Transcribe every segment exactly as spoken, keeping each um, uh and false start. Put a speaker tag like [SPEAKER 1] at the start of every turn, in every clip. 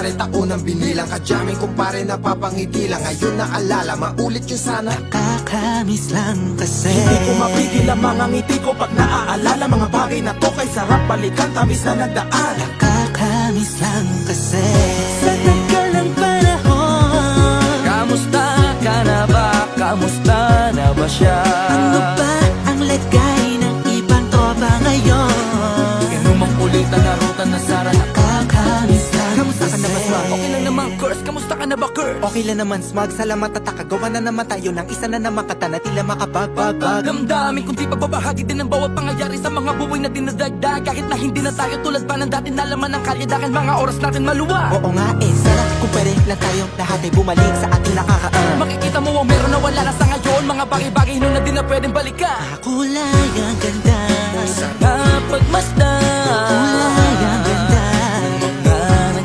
[SPEAKER 1] nangyari, taunang binilang. Kadyaming kumpare, napapangiti lang. Ngayon naalala, maulit yun sana.
[SPEAKER 2] Nakakamiss lang kasi
[SPEAKER 3] Hindi ko mapigil ang mga ngiti ko pag naaalala. Mga bagay na to kay sarap balikan, tamis na nagdaan.
[SPEAKER 2] Nakakamiss lang kasi sa tagal ng panahon.
[SPEAKER 4] Kamusta ka na ba? Kamusta na ba siya?
[SPEAKER 2] Ano ba ang lagay ng ibang tropa ngayon?
[SPEAKER 4] Inumang ulitan na ruta na Sara.
[SPEAKER 2] Nakakamiss lang
[SPEAKER 4] Kamusta ka na ba, Smug?
[SPEAKER 2] kasi.
[SPEAKER 4] Okay lang naman, Curse. Kamusta ka na ba, Curse?
[SPEAKER 2] Okay lang naman, Smug. Salamat at nakagawa na naman tayo ng isa na naman kata na tila makabagbag.
[SPEAKER 4] Damdamin kundi pagbabahagi din ng bawat pangyayari sa mga buhay na dinadagdag. Kahit na hindi na tayo tulad pa ng dati, nalaman ng kalye dahil mga oras natin maluwag.
[SPEAKER 2] Oo nga eh, sana kung pwede lang tayo lahat ay bumalik sa ating nakakaan.
[SPEAKER 4] Makikita mo ang meron na wala na sa ngayon. Mga bagay-bagay nun na di na pwedeng balikan.
[SPEAKER 2] Kulay ang ganda,
[SPEAKER 4] Sana pagmasdan
[SPEAKER 2] kulay ang ganda.
[SPEAKER 4] mga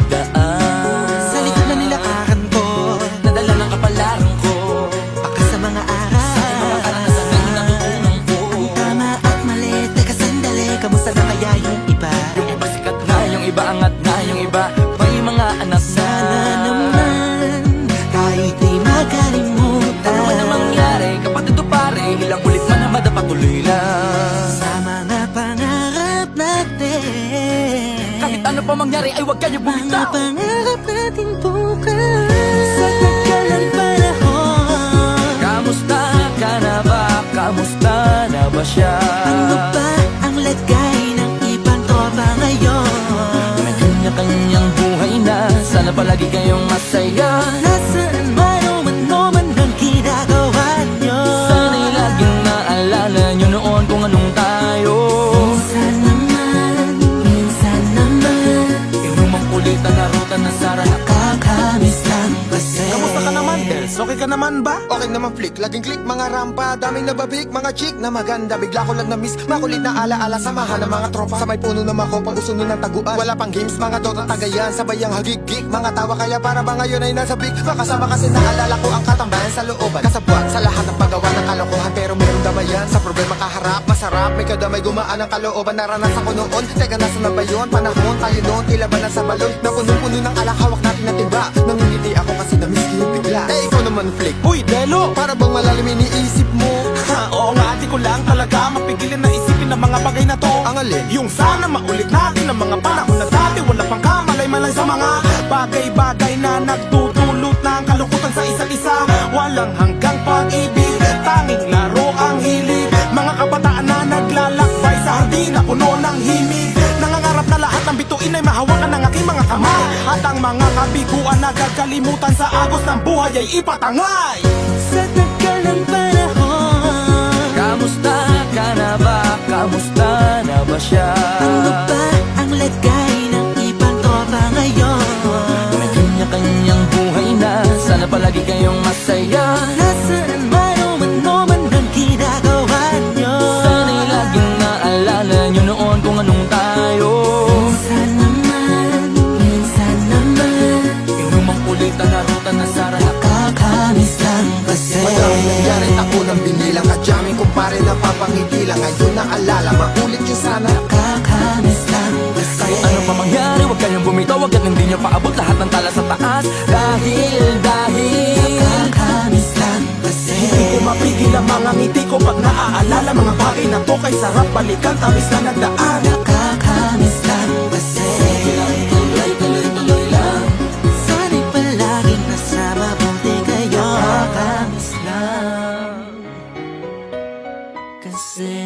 [SPEAKER 4] nagdaan
[SPEAKER 2] Sa likod na nilakaran ko,
[SPEAKER 4] nadala ng kapalaran ko.
[SPEAKER 2] baka sa mga aral,
[SPEAKER 4] Mga karanasan na natutunan ko.
[SPEAKER 2] tama at mali. Teka sandali, kamusta na kaya yung iba?
[SPEAKER 4] Yung iba sikat na, yung iba angat na, yung iba may mga anak na.
[SPEAKER 2] Sana naman kahit di makalimutan.
[SPEAKER 4] Ano man ang mangyari, kapatid o pare, ilang ulit man na madapatuloy lang.
[SPEAKER 2] Sa mga pangarap natin,
[SPEAKER 4] Kahit ano pa mangyari ay huwag kayo
[SPEAKER 2] mga
[SPEAKER 4] bumitaw.
[SPEAKER 2] pangarap natin bukas. Sa tagal ng panahon,
[SPEAKER 4] Kamusta ka na ba? Kamusta na ba siya?
[SPEAKER 2] ano ba ang lagay ng ibang tropa ngayon?
[SPEAKER 4] May kanya-kanyang buhay na, sana palagi kayong masaya.
[SPEAKER 2] Nasaan man o ano man ang ginagawa nyo?
[SPEAKER 4] Sana'y laging naalala nyo noon kung anong tayo.
[SPEAKER 2] Minsan naman, minsan naman,
[SPEAKER 4] Inumang ulitan na ruta na Sara.
[SPEAKER 2] nakakamiss lang kasi.
[SPEAKER 3] Kamusta ka naman, Dels? Okay ka naman ba?
[SPEAKER 1] Okay naman flick, laging click, mga rampa. Daming nababik, mga chick na maganda. Bigla ko lang na-miss, makulit na alaala. Samahan ng mga tropa, sa may puno na makopa, uso nun ng taguan. Wala pang games, mga dota tagayan. Sabayang hagig-gig, mga tawa kaya para ba ngayon ay nasa big. Makasama kasi naalala ko ang katambayan sa looban. Kasabwat sa lahat ng paggawa ng kalokohan, pero mayroong damayan. Sa problema kaharap, masarap, may kadamay gumaan ang kalooban. Naranasan ko noon, teka nasa na ba yun? Panahon tayo noon, tila ba nasa balon? Na puno-puno ng alak, hawak natin na timba. Nangingiti ako kasi na-miss ko yung bigla. Eh ikaw naman flick,
[SPEAKER 3] Uy, Delo!
[SPEAKER 1] para bang malalim iniisip mo?
[SPEAKER 3] Ha, oo nga, di ko lang talaga mapigilin na isipin ang mga bagay na to.
[SPEAKER 1] Ang alin?
[SPEAKER 3] Yung sana maulit natin ang mga panahon na dati. Wala pang kamalay-malay sa mga bagay-bagay na nagdudulot ng kalungkutan sa isa't isa. Walang hanggang pag-ibig, tanging laro ang hilig. Mga kabataan na naglalakbay sa hardin na puno ng himig. Nangangarap na lahat ng bituin ay mahawakan ng aking mga kamay. At ang mga kabiguan na gagalimutan sa agos ng buhay ay ipatangay.
[SPEAKER 2] Sa tagal ng panahon,
[SPEAKER 4] Kamusta ka na ba? Kamusta na ba siya?
[SPEAKER 2] ano ba ang lagay ng ibang tropa ngayon?
[SPEAKER 4] May kanya-kanyang buhay na, sana palagi kayong masaya.
[SPEAKER 2] Nasaan man o ano man ang ginagawa nyo?
[SPEAKER 4] Sana'y laging naalala nyo noon kung anong tayo.
[SPEAKER 2] Minsan naman, minsan naman,
[SPEAKER 4] Inumang ulitan na ruta na Sara.
[SPEAKER 2] nakakamiss lang kasi.
[SPEAKER 1] Madaming nangyari, taunang binilang. Kadyaming kumpare, napapangiti lang. Ngayon naalala, maulit yun sana.
[SPEAKER 2] Nakakamiss lang kasi.
[SPEAKER 4] Kahit ano pa mangyari, huwag kayong bumitaw. Huwag at hindi nyo paabot lahat ng tala sa taas. Dahil, dahil
[SPEAKER 2] Nakakamiss lang kasi.
[SPEAKER 3] Hindi ko mapigil ang mga ngiti ko pag naaalala. Mga bagay na to kay sarap balikan, tamis na nagdaan.
[SPEAKER 2] Nakakamiss lang kasi.
[SPEAKER 4] tuloy, tuloy, tuloy lang.
[SPEAKER 2] Sana'y palaging nasa mabuti kayo. Nakakamiss lang kasi.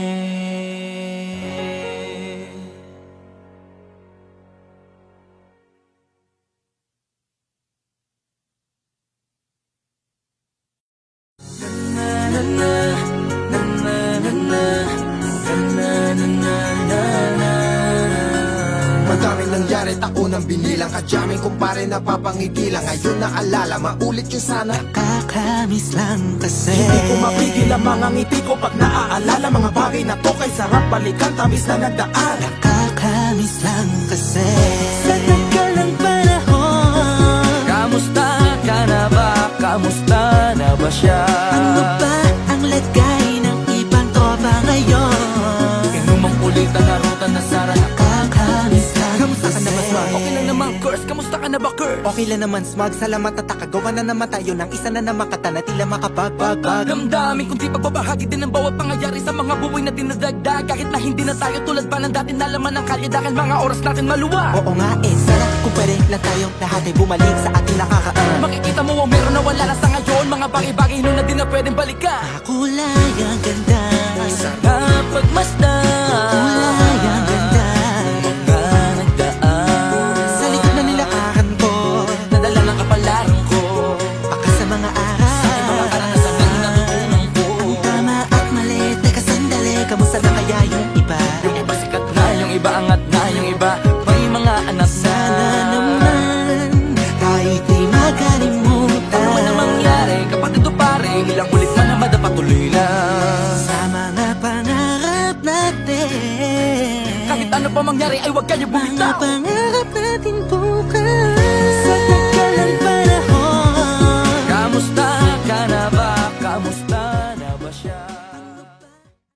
[SPEAKER 1] Madaming nangyari, taunang binilang. Kadyaming kumpare, napapangiti lang. Ngayon naalala, maulit yun sana.
[SPEAKER 2] Nakakamiss lang kasi.
[SPEAKER 3] Hindi ko mapigil ang mga ngiti ko pag naaalala. Mga bagay na to kay sarap balikan, tamis na nagdaan.
[SPEAKER 2] Nakakamiss lang kasi. Sa tagal ng panahon,
[SPEAKER 4] Kamusta ka na ba? Kamusta na ba siya?
[SPEAKER 2] ano ba ang lagay ng ibang tropa ngayon?
[SPEAKER 4] Inumang ulitan na ruta na Sara.
[SPEAKER 2] Nakakamiss lang
[SPEAKER 4] Kamusta ka na ba,
[SPEAKER 2] kasi.
[SPEAKER 4] Smug? Okay lang naman, Curse, kamusta ka na ba, Curse?
[SPEAKER 2] Okay lang naman smug, salamat at takagawa na naman tayo ng isa na namakata na tila makabagbag.
[SPEAKER 4] Damdamin kundi pagbabahagi din ng bawat pangyayari sa mga buhay na dinadagdag. Kahit na hindi na tayo tulad pa ng dati na laman ng kalye dahil mga oras natin maluwa.
[SPEAKER 2] Oo nga eh, sana kung pwede lang tayong lahat ay bumalik sa ating nakakaan.
[SPEAKER 4] Makikita mo ang meron na wala na sa ngayon. Mga bagay-bagay nun na di na pwedeng balikan.
[SPEAKER 2] Kulay ang ganda,
[SPEAKER 4] Sarap pagmasdan,
[SPEAKER 2] kulay ang ganda.
[SPEAKER 4] mga nagdaan
[SPEAKER 2] Sa likod na nilakaran ko,
[SPEAKER 4] nadala ng kapalaran ko.
[SPEAKER 2] baka sa mga aral
[SPEAKER 4] Ay mga karanasan na natutunan ko.
[SPEAKER 2] ang tama at mali, teka sandali, kamusta na kaya yung iba?
[SPEAKER 4] Yung iba sikat na, yung iba angat na, yung iba may mga anak na.
[SPEAKER 2] Sana naman tayo'y di makalimutan.
[SPEAKER 4] Ano man ang mangyari, kapatid o pare, ilang ulit man na madapatuloy lang.
[SPEAKER 2] Sa mga pangarap natin,
[SPEAKER 4] Kahit ano pa mangyari ay huwag kayo
[SPEAKER 2] mga
[SPEAKER 4] bumitaw.
[SPEAKER 2] pangarap natin bukas.